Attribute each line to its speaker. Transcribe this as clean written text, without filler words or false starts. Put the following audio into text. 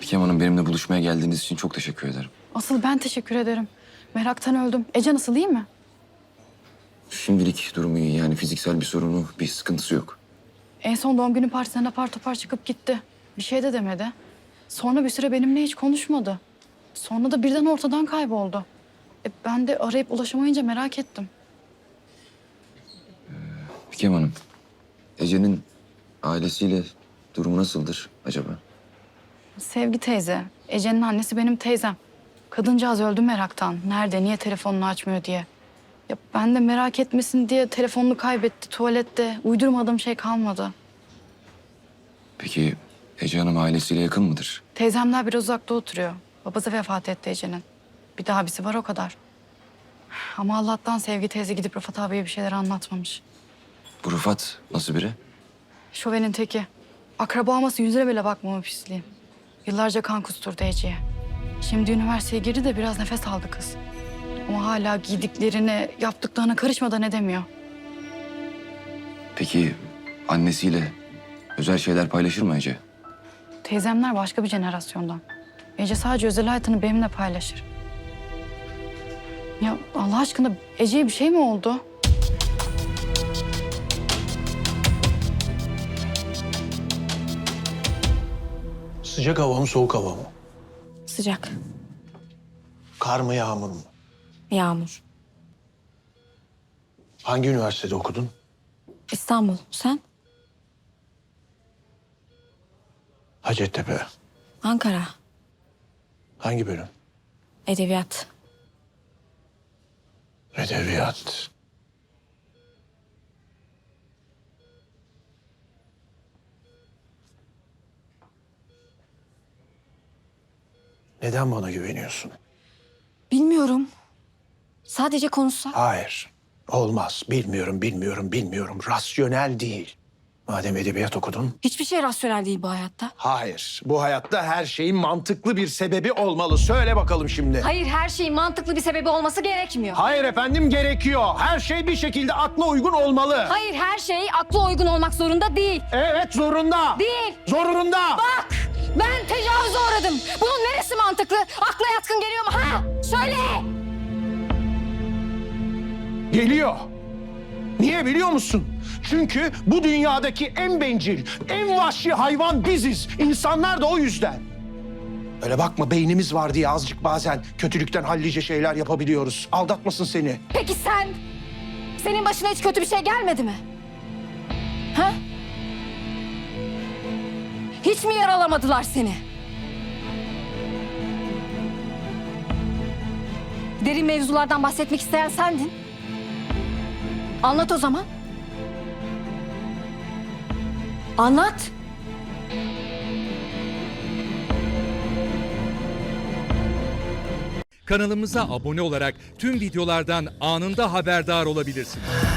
Speaker 1: Fikem Hanım, benimle buluşmaya geldiğiniz için çok teşekkür ederim.
Speaker 2: Asıl ben teşekkür ederim. Meraktan öldüm. Ece nasıl, iyi mi?
Speaker 1: Şimdilik durumu iyi, yani fiziksel bir sorunu, bir sıkıntısı yok.
Speaker 2: En son doğum günü partisinden apar topar çıkıp gitti. Bir şey de demedi. Sonra bir süre benimle hiç konuşmadı. Sonra da birden ortadan kayboldu. Ben de arayıp ulaşamayınca merak ettim.
Speaker 1: Fikem Hanım, Ece'nin ailesiyle durumu nasıldır acaba?
Speaker 2: Sevgi teyze, Ece'nin annesi benim teyzem. Kadıncağız öldü meraktan. Nerede, niye telefonunu açmıyor diye. Ya ben de merak etmesin diye telefonunu kaybetti tuvalette. Uydurmadığım şey kalmadı.
Speaker 1: Peki Ece Hanım ailesiyle yakın mıdır?
Speaker 2: Teyzemler biraz uzakta oturuyor. Babası vefat etti Ece'nin. Bir de abisi var, o kadar. Ama Allah'tan Sevgi teyze gidip Rıfat abiye bir şeyler anlatmamış.
Speaker 1: Bu Rıfat nasıl biri?
Speaker 2: Şovenin teki. Akraba olması yüzüne bile bakmama pisliğim. Yıllarca kan kusturdu Ece'ye. Şimdi üniversiteye girdi de biraz nefes aldı kız. Ama hala giydiklerine, yaptıklarına karışmadan edemiyor.
Speaker 1: Peki annesiyle özel şeyler paylaşır mı Ece?
Speaker 2: Teyzemler başka bir jenerasyondan. Ece sadece özel hayatını benimle paylaşır. Ya Allah aşkına Ece'ye bir şey mi oldu?
Speaker 3: Sıcak hava mı, soğuk hava mı?
Speaker 4: Sıcak.
Speaker 3: Kar mı, yağmur mu?
Speaker 4: Yağmur.
Speaker 3: Hangi üniversitede okudun?
Speaker 4: İstanbul. Sen?
Speaker 3: Hacettepe.
Speaker 4: Ankara.
Speaker 3: Hangi bölüm?
Speaker 4: Edebiyat.
Speaker 3: Edebiyat. Neden bana güveniyorsun?
Speaker 4: Bilmiyorum. Sadece konuşsak.
Speaker 3: Hayır. Olmaz. Bilmiyorum. Rasyonel değil. Madem edebiyat okudun.
Speaker 4: Hiçbir şey rasyonel değil bu hayatta.
Speaker 3: Hayır. Bu hayatta her şeyin mantıklı bir sebebi olmalı. Söyle bakalım şimdi.
Speaker 4: Hayır, her şeyin mantıklı bir sebebi olması gerekmiyor.
Speaker 3: Hayır efendim, gerekiyor. Her şey bir şekilde akla uygun olmalı.
Speaker 4: Hayır, her şey akla uygun olmak zorunda değil.
Speaker 3: Evet, zorunda.
Speaker 4: Değil.
Speaker 3: Zorunda.
Speaker 4: Bak, ben tecavüze uğradım. Bunun neresi mantıklı? Akla yatkın geliyor mu? Ha? Söyle.
Speaker 3: Geliyor. Niye biliyor musun? Çünkü bu dünyadaki en bencil, en vahşi hayvan biziz. İnsanlar da o yüzden. Öyle bakma, beynimiz var diye azıcık bazen kötülükten hallice şeyler yapabiliyoruz. Aldatmasın seni.
Speaker 4: Peki sen? Senin başına hiç kötü bir şey gelmedi mi? Ha? Hiç mi yaralamadılar seni? Derin mevzulardan bahsetmek isteyen sendin. Anlat o zaman. Anlat.
Speaker 5: Kanalımıza abone olarak tüm videolardan anında haberdar olabilirsiniz.